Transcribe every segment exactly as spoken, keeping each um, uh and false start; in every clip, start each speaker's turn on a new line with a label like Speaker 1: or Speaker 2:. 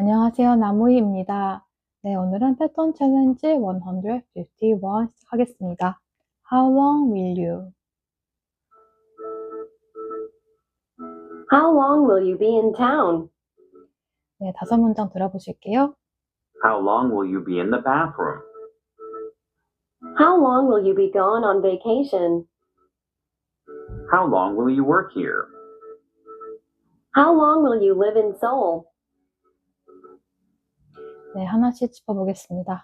Speaker 1: 안녕하세요. 나무희입니다. 네, 오늘은 패턴 챌린지 백오십일 시작하겠습니다. How long will you?
Speaker 2: How long will you be in town?
Speaker 1: 네, 다섯 문장 들어보실게요.
Speaker 3: How long will you be in the bathroom?
Speaker 2: How long will you be gone on vacation?
Speaker 3: How long will you work here?
Speaker 2: How long will you live in Seoul?
Speaker 1: 네, 하나씩 짚어보겠습니다.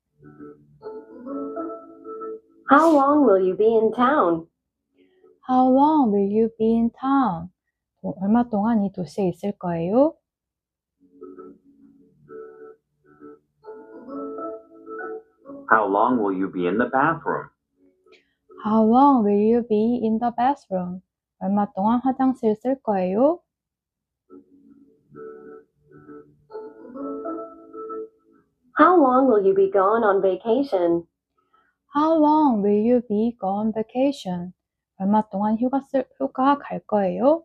Speaker 2: How long will you be in town?
Speaker 1: How long will you be in town? 어, 얼마 동안 이 도시에 있을 거예요?
Speaker 3: How long will you be in the bathroom?
Speaker 1: How long will you be in the bathroom? 얼마 동안 화장실 쓸 거예요?
Speaker 2: How long will you be gone on vacation?
Speaker 1: How long will you be gone vacation? 얼마 동안 휴가 쓸, 휴가 갈 거예요?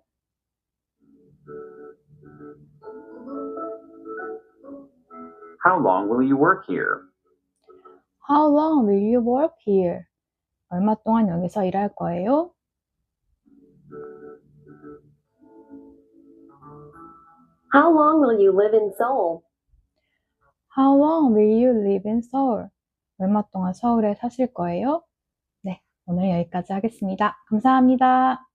Speaker 3: How long will you work here?
Speaker 1: How long will you work here? 얼마 동안 여기서 일할 거예요?
Speaker 2: How long will you live in Seoul?
Speaker 1: How long will you live in Seoul? 얼마 동안 서울에 사실 거예요? 네, 오늘 여기까지 하겠습니다. 감사합니다.